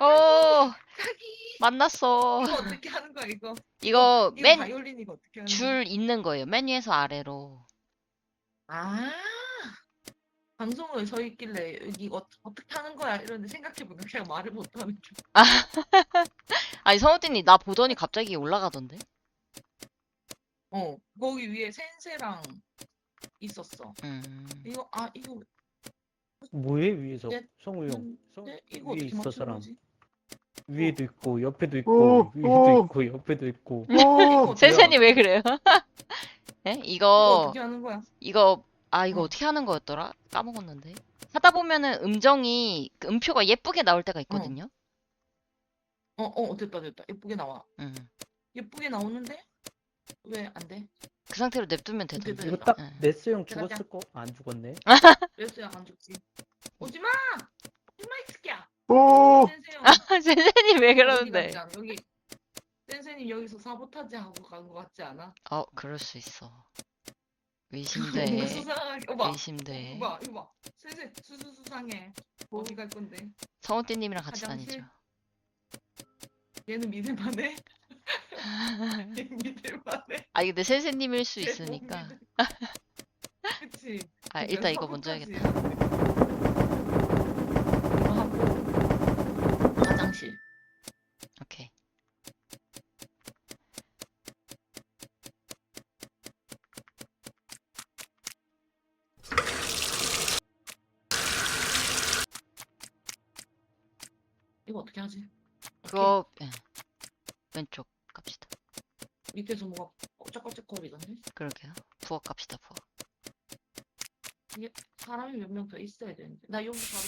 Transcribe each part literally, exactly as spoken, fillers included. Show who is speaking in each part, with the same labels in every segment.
Speaker 1: 어,
Speaker 2: 자기
Speaker 1: 만났어.
Speaker 2: 이거 어떻게 하는 거야 이거?
Speaker 1: 이거
Speaker 2: 이거
Speaker 1: 맨
Speaker 2: 바이올린 이거 어떻게 하는 거야?
Speaker 1: 줄 있는 거예요. 맨 위에서 아래로.
Speaker 2: 아 방송을 서 있길래 여기 어, 어떻게 하는 거야 이러는데 생각해보니까 그냥 말을 못하는 줄.
Speaker 1: 아, 아니, 성우띠님, 나 보더니 갑자기 올라가던데?
Speaker 2: 어 거기 위에 센세랑 있었어.
Speaker 1: 음.
Speaker 2: 이거 아 이거
Speaker 3: 뭐해 위에서?
Speaker 2: 네,
Speaker 3: 성우 형. 성
Speaker 2: 네, 이거
Speaker 3: 위에
Speaker 2: 어떻게
Speaker 3: 있어
Speaker 2: 맞추는
Speaker 3: 사람.
Speaker 2: 거지?
Speaker 3: 위에도 있고 옆에도
Speaker 4: 오,
Speaker 3: 있고 위에도
Speaker 4: 오,
Speaker 3: 있고 옆에도 있고.
Speaker 2: 이거
Speaker 4: 오,
Speaker 2: 어떻게
Speaker 1: 센세님 왜
Speaker 2: 맞추는
Speaker 1: 그래요? 네?
Speaker 2: 이거
Speaker 1: 이거,
Speaker 2: 어떻게 하는 거야?
Speaker 1: 이거, 아, 이거
Speaker 2: 어.
Speaker 1: 어떻게 하는 거였더라? 까먹었는데. 하다 보면은 음정이, 그 음표가 예쁘게 나올 때가 있거든요?
Speaker 2: 어, 어, 됐다, 됐다. 예쁘게 나와.
Speaker 1: 음.
Speaker 2: 예쁘게 나오는데 왜 안 돼?
Speaker 1: 그 상태로 냅두면
Speaker 2: 됐다,
Speaker 1: 되던데.
Speaker 3: 이거
Speaker 2: 됐다.
Speaker 3: 딱
Speaker 1: 응.
Speaker 3: 네스 형
Speaker 2: 제가
Speaker 3: 죽었을 거 안 죽었네.
Speaker 2: 그랬어야 안 죽지. 오지마! 오지마, 이 새끼야!
Speaker 4: 오,
Speaker 2: 센세형.
Speaker 1: 센세님 왜
Speaker 2: 어디
Speaker 1: 그러는데?
Speaker 2: 갔지 않아? 여기, 센세님 여기서 사보타지 하고 간 거 같지 않아?
Speaker 1: 어, 그럴 수 있어.
Speaker 2: 뭔가
Speaker 1: 의심돼.
Speaker 2: 수상하게. 어, 봐.
Speaker 1: 의심돼.
Speaker 2: 이거 봐, 이거 봐. 센세, 수수수상해. 어디 갈 건데?
Speaker 1: 성우띠님이랑 같이
Speaker 2: 화장실?
Speaker 1: 다니죠.
Speaker 2: 얘는 믿을만해? 얘는 믿을만해?
Speaker 1: 아, 근데 센세님일 수
Speaker 2: 얘 못
Speaker 1: 있으니까.
Speaker 2: 믿을- 그치?
Speaker 1: 아,
Speaker 2: 그러니까
Speaker 1: 일단 이거 먼저
Speaker 2: 사보타지
Speaker 1: 해야겠다.
Speaker 2: 해야 돼. 이거 하고 화장실.
Speaker 1: 오케이.
Speaker 2: 이거 어떻게 하지?
Speaker 1: 그거, 예. 왼쪽 갑시다.
Speaker 2: 밑에서 뭐가 쩍쩍거리던데?
Speaker 1: 그러게요. 부엌 갑시다, 부엌.
Speaker 2: 이게 사람이 몇 명 더 있어야 되는데. 나 여기 바로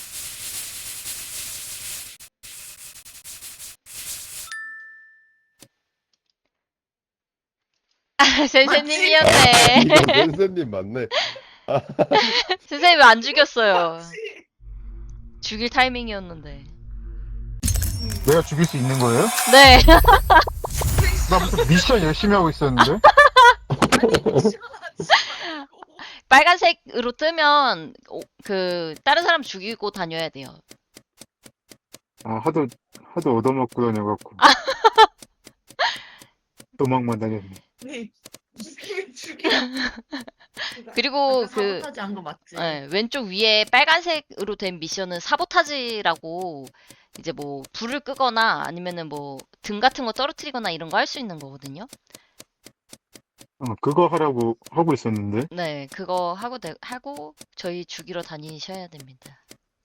Speaker 1: 아, 센세님이었네.
Speaker 5: 이거 센세님 맞네.
Speaker 1: 센세님 안 죽였어요.
Speaker 2: 맞지?
Speaker 1: 죽일 타이밍이었는데.
Speaker 4: 내가 죽일 수 있는 거예요?
Speaker 1: 네.
Speaker 4: 나 무슨 미션 열심히 하고 있었는데?
Speaker 2: 아니 시원하지 말고.
Speaker 1: 빨간색으로 뜨면, 오, 그, 다른 사람 죽이고 다녀야 돼요.
Speaker 4: 아, 하도, 하도 얻어먹고 다녀갖고. 도망만 다녔네.
Speaker 2: 네. 죽이면 죽여.
Speaker 1: 그리고
Speaker 2: 아까
Speaker 1: 그,
Speaker 2: 사보타지 한 거 맞지?
Speaker 1: 예, 왼쪽 위에 빨간색으로 된 미션은 사보타지라고, 이제 뭐, 불을 끄거나 아니면은 뭐, 등 같은 거 떨어뜨리거나 이런 거 할 수 있는 거거든요.
Speaker 4: 어, 그거 하라고 하고 있었는데.
Speaker 1: 네, 그거 하고, 되- 하고, 저희 죽이러 다니셔야 됩니다.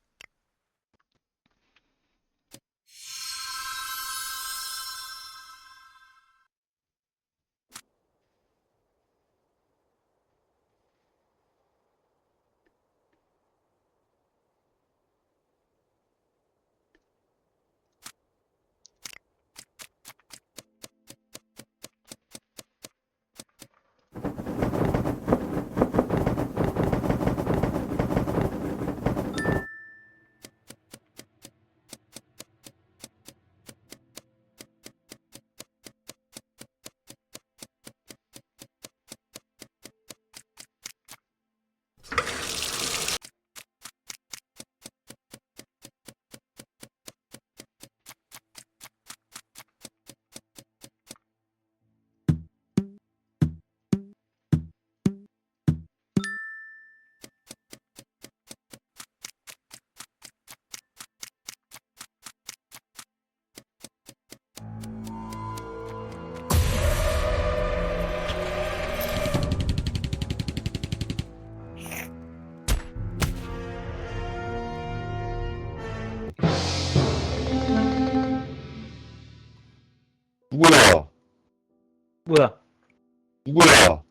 Speaker 5: 누구야?
Speaker 3: 뭐야?
Speaker 5: 누구야?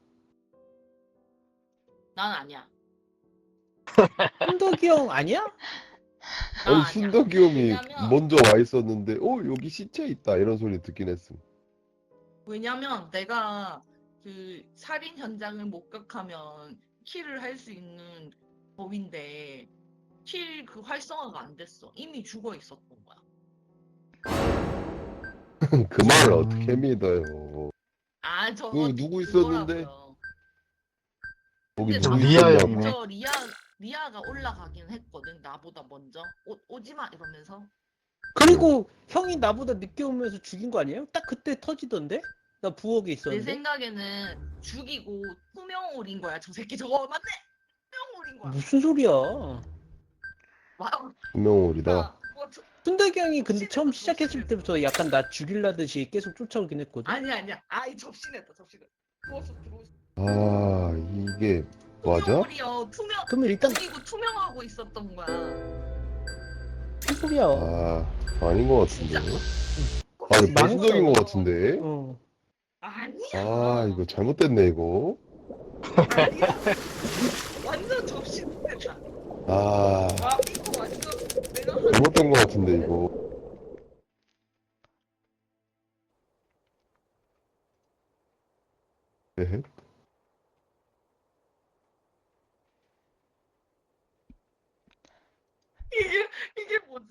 Speaker 2: 난 아니야.
Speaker 3: hun덕이 형 아니야?
Speaker 2: 난
Speaker 5: 아니
Speaker 2: 아니야.
Speaker 5: 순덕이 형이
Speaker 2: 왜냐면
Speaker 5: 먼저 와 있었는데 어 여기 시체 있다 이런 소리 듣긴 했음.
Speaker 2: 왜냐면 내가 그 살인 현장을 목격하면 킬을 할 수 있는 법인데 킬 그 활성화가 안 됐어. 이미 죽어 있었던 거야.
Speaker 5: 그 말을
Speaker 4: 음.
Speaker 5: 어떻게 믿어요?
Speaker 2: 아, 저
Speaker 5: 그 누구 있었는데?
Speaker 2: 그거라고요.
Speaker 5: 거기
Speaker 2: 근데
Speaker 5: 누구
Speaker 4: 리아
Speaker 5: 있었냐고?
Speaker 4: 형이네.
Speaker 2: 먼저 리아 리아가 올라가긴 했거든. 나보다 먼저 오, 오지마 이러면서.
Speaker 3: 그리고 형이 나보다 늦게 오면서 죽인 거 아니에요? 딱 그때 터지던데? 나 부엌에
Speaker 2: 내
Speaker 3: 있었는데.
Speaker 2: 생각에는 죽이고 투명홀인 거야. 저 새끼 저거 맞네. 투명홀인 거야.
Speaker 3: 무슨 소리야?
Speaker 2: 와,
Speaker 5: 분명홀이다.
Speaker 2: 나 뭐 저-
Speaker 3: 순덕이 형이 근데 처음
Speaker 2: 접시냈다,
Speaker 3: 시작했을
Speaker 2: 접시냈다.
Speaker 3: 때부터 약간 나 죽일라듯이 계속 쫓아오긴 했거든.
Speaker 2: 아니 아니야. 아이 접시냈다 접시냈다. 들어왔어 들어왔어.
Speaker 5: 아, 이게 맞아?
Speaker 2: 투명홀이요. 투명.
Speaker 3: 그러면 일단
Speaker 2: 죽이고 투명하고 있었던 거야.
Speaker 3: 무슨 소리야?
Speaker 5: 아, 아닌 것 같은데. 아, 이거
Speaker 3: 망했어.
Speaker 5: 배신적인 것 같은데.
Speaker 3: 어.
Speaker 2: 아니야.
Speaker 5: 아, 이거 잘못됐네, 이거.
Speaker 2: 아니야. 완전 접시냈다.
Speaker 5: 아,
Speaker 2: 아 이거 완전 내가 한
Speaker 5: 잘못된 것 같은데, 이거. 에헤.
Speaker 2: 이게 이게 뭐지?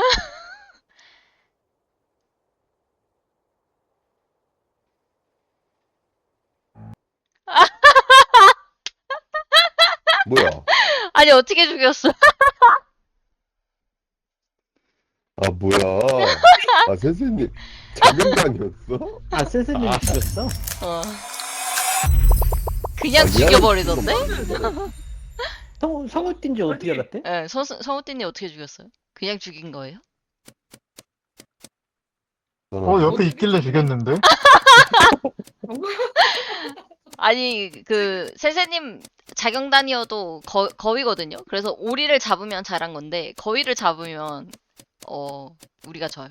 Speaker 5: 뭐야?
Speaker 1: 아니, 어떻게 죽였어?
Speaker 5: 아, 뭐야? 아, 선생님, 자경단이었어?
Speaker 3: 아 센스님 죽였어?
Speaker 1: 어. 그냥
Speaker 5: 아,
Speaker 1: 죽여버리던데?
Speaker 3: 성 성우 뛴지 어떻게
Speaker 2: 아니.
Speaker 3: 알았대?
Speaker 1: 예, 서, 성우띠님 어떻게 죽였어요? 그냥 죽인 거예요?
Speaker 4: 어, 옆에 있길래 죽였는데?
Speaker 1: 아니, 그, 세세님 자경단이어도 거, 거위거든요? 그래서 오리를 잡으면 잘한 건데, 거위를 잡으면, 어, 우리가 져요.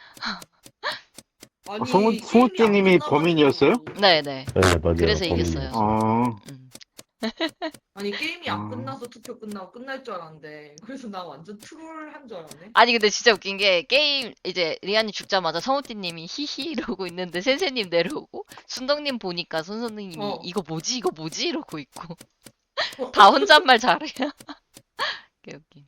Speaker 2: 아니,
Speaker 4: 성우-
Speaker 2: 게임이
Speaker 4: 성우띠님이
Speaker 2: 안 끝나가지고.
Speaker 4: 범인이었어요?
Speaker 1: 네네.
Speaker 5: 네, 맞아요.
Speaker 1: 그래서
Speaker 5: 범인이.
Speaker 1: 이겼어요.
Speaker 4: 어,
Speaker 1: 음.
Speaker 2: 아니 게임이 안
Speaker 4: 아.
Speaker 2: 끝나서 투표 끝나고 끝날 줄 알았는데 그래서 나 완전 트롤한 줄 알았네.
Speaker 1: 아니, 근데 진짜 웃긴 게, 게임, 이제, 리안이 죽자마자 성우띠님이 히히 이러고 있는데, 센세님 내려오고, 순덕님 보니까 손선생님이
Speaker 2: 어.
Speaker 1: 이거 뭐지? 이거 뭐지? 이러고 있고. 다 혼잣말 잘해요. 개웃기.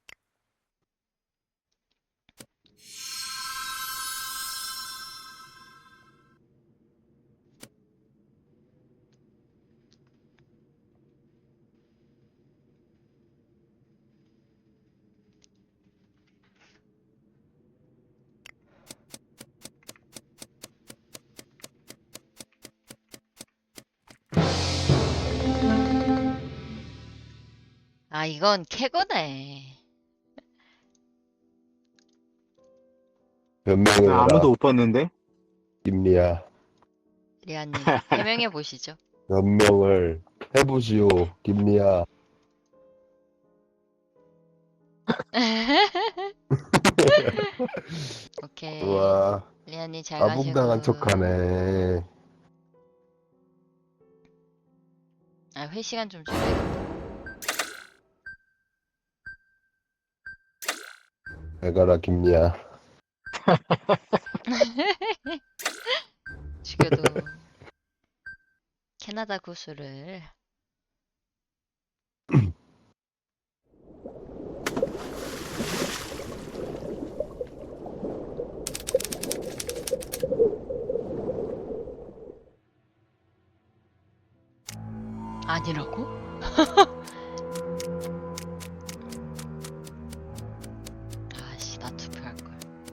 Speaker 1: 아, 이건 캐거네.
Speaker 5: 변명을 해라,
Speaker 4: 아무도 못 봤는데?
Speaker 5: 김리야.
Speaker 1: 리안님, 해명해 보시죠.
Speaker 5: 변명을 해보시오, 김리야.
Speaker 1: 오케이.
Speaker 5: 우와,
Speaker 1: 리안님 잘 가시고.
Speaker 5: 아붕당한 척하네.
Speaker 1: 아, 회 시간 좀 줄여야겠다.
Speaker 5: 잘 가라, 김리야.
Speaker 1: 죽여도 캐나다 구슬을. 아니라고? 아씨, 나 투표할 걸.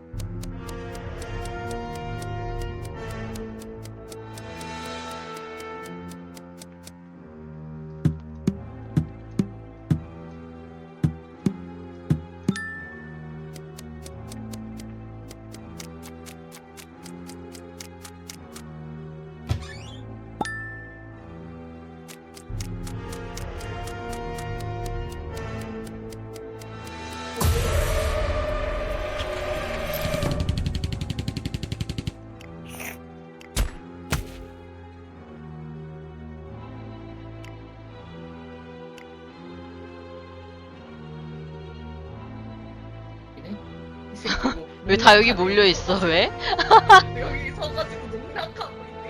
Speaker 2: 이 새끼 뭐
Speaker 1: 왜 다 여기
Speaker 2: 농락하네.
Speaker 1: 몰려 있어? 왜?
Speaker 2: 여기 서가지고 농락하고 있네.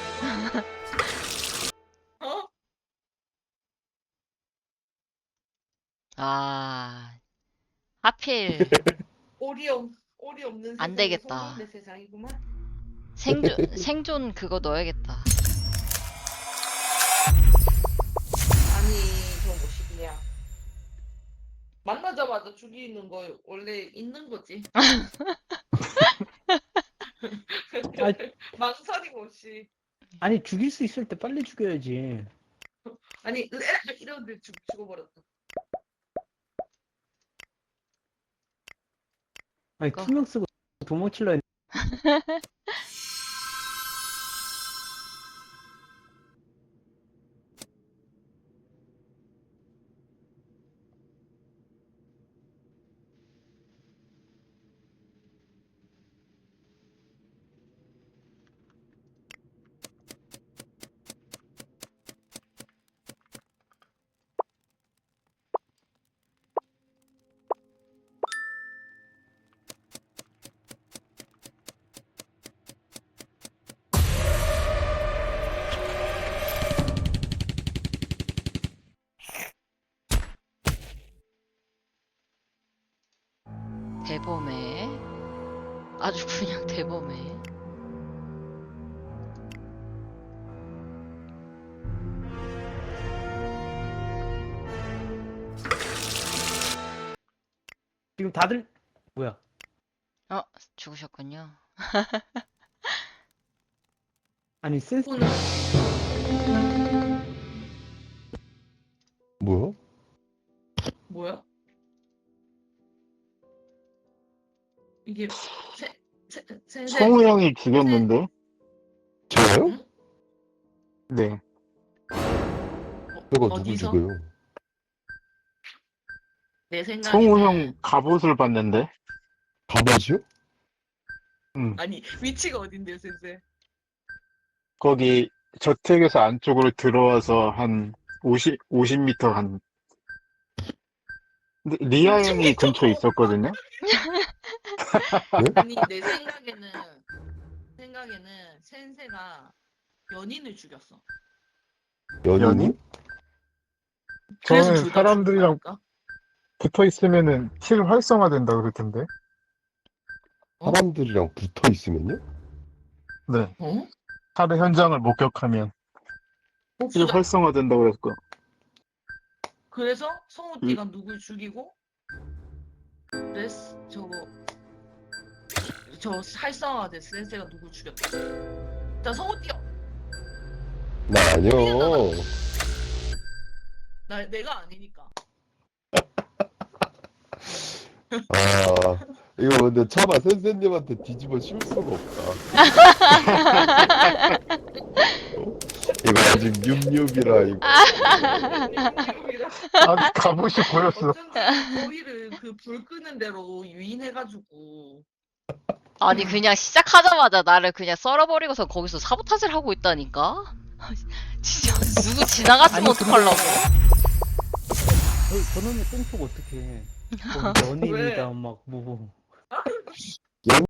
Speaker 2: 어?
Speaker 1: 아, 하필
Speaker 2: 오리 없 오리 없는
Speaker 1: 안
Speaker 2: 세상이
Speaker 1: 되겠다.
Speaker 2: 소문의 세상이구만.
Speaker 1: 생존 생존 그거 넣어야겠다.
Speaker 2: 아니 저 뭐시기야. 만나자마자 죽이는 거 원래 있는 거지. 망설임 없이.
Speaker 3: 아니 죽일 수 있을 때 빨리 죽여야지.
Speaker 2: 아니 이런데 죽 죽어버렸다.
Speaker 3: 아니
Speaker 1: 그거.
Speaker 3: 투명 쓰고 도망칠라 했.
Speaker 1: 대범해. 아주 그냥 대범해.
Speaker 3: 지금 다들 뭐야?
Speaker 1: 어, 죽으셨군요.
Speaker 3: 아니 센스
Speaker 2: 오늘
Speaker 5: 뭐야?
Speaker 2: 뭐야? 이게 세, 세, 센세
Speaker 4: 성우 형이 죽였는데?
Speaker 5: 저요?
Speaker 2: 응?
Speaker 4: 네.
Speaker 5: 저거 누구
Speaker 2: 어디서?
Speaker 5: 죽어요?
Speaker 2: 내 생각에는
Speaker 4: 성우 형 갑옷을 봤는데?
Speaker 5: 가봐시요?
Speaker 4: 응.
Speaker 2: 아니 위치가 어딘데요, 센세?
Speaker 4: 거기 저택에서 안쪽으로 들어와서 한 오십, 오십 미터 한. 근데 리아 형이 근처에 있었거든요?
Speaker 2: 아니 내 생각에는 생각에는 센세가 연인을 죽였어.
Speaker 5: 연인이?
Speaker 4: 연인?
Speaker 2: 그래서
Speaker 4: 저는
Speaker 2: 둘다
Speaker 4: 사람들이랑
Speaker 2: 죽은 거니까?
Speaker 4: 붙어 있으면은 킬 활성화된다 그럴 텐데.
Speaker 2: 어?
Speaker 5: 사람들이랑 붙어 있으면요?
Speaker 4: 네.
Speaker 2: 어?
Speaker 4: 살해 현장을 목격하면 킬
Speaker 2: 복수다.
Speaker 4: 활성화된다 그랬고.
Speaker 2: 그래서 성우띠가 누굴 죽이고 레스 저거 저 활성화된 센세가 누굴 죽였다. 자 성우띠요.
Speaker 5: 나 아니요.
Speaker 2: 나 내가 아니니까.
Speaker 5: 아, 이거 근데 차마 선생님한테 뒤집어 씌울 수가 없다. 어? 이거 아직 뉴뉴비라 이거.
Speaker 4: 아, 갑옷이 보였어.
Speaker 2: 어쩐지 거기를 그 불 끄는 대로 유인해가지고
Speaker 1: 아니, 그냥 시작하자마자 나를 그냥 썰어버리고서 거기서 사보타지를 하고 있다니까? 진짜, 누구 지나갔으면
Speaker 3: 아니,
Speaker 1: 어떡하려고?
Speaker 3: 저, 저놈의 똥폭 어떻게 해? 뭐 연인이다 막뭐